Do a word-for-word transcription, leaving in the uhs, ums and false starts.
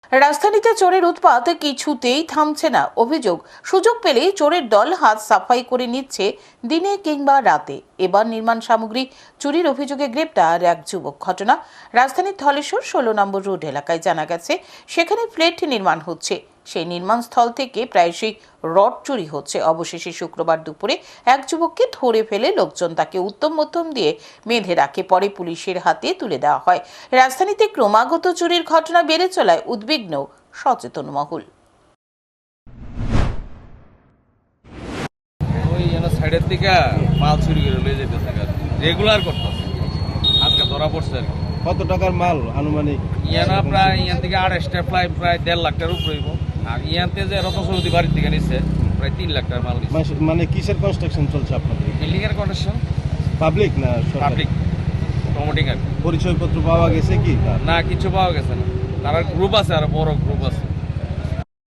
রাজধানীতে চোরের উৎপাত কিছুতেই থামছে না। অভিযোগ, সুযোগ পেলেই চোরের দল হাত সাফাই করে নিচ্ছে দিনে কিংবা রাতে। এবার নির্মাণ সামগ্রী চুরির অভিযোগে গ্রেপ্তার এক যুবক। ঘটনা রাজধানীর ধলেশ্বর ষোলো নম্বর রোড এলাকায়। জানা গেছে, সেখানে ফ্ল্যাট নির্মাণ হচ্ছে। সেই নির্মাণ স্থল থেকে প্রায়শই রড চুরি হচ্ছে। অবশেষে শুক্রবার দুপুরে এক যুবককে ধরে ফেলে লোকজন তাকে উত্তম মধ্যম দিয়ে বেঁধে রাখে। পরে পুলিশের হাতে তুলে দেওয়া হয়। রাজধানীতে ক্রমাগত চুরির ঘটনা বেড়ে চলায় উদ্বিগ্ন সচেতন মহল। ওই সাইডের থেকে মাল চুরি করে লয়ে যেতেছে রেগুলার করতেছে, আজকে ধরা পড়ছে আর কি। কত টাকার মাল আনুমানিক? ইয়ানা প্রায় ইয়ান থেকে আড়াইশটা প্রায় প্রায় দেড় লাখ টাকার উপরে হইব। আর ইয়ানতে যে রত সৌদি বাড়ির থেকে নিচ্ছে প্রায় তিন লাখ টাকার মাল নিচ্ছে। মানে- মানে কিসের কনস্ট্রাকশন চলছে আপনাদের? বিল্ডিং এর কন্ডিশন পাবলিক না সরকারি? পাবলিক প্রমোটিং আর কি। পরিচয়পত্র পাওয়া গেছে কি তার? না কিছু পাওয়া গেছে না। তার গ্রুপ আছে, আর বড় গ্রুপ আছে।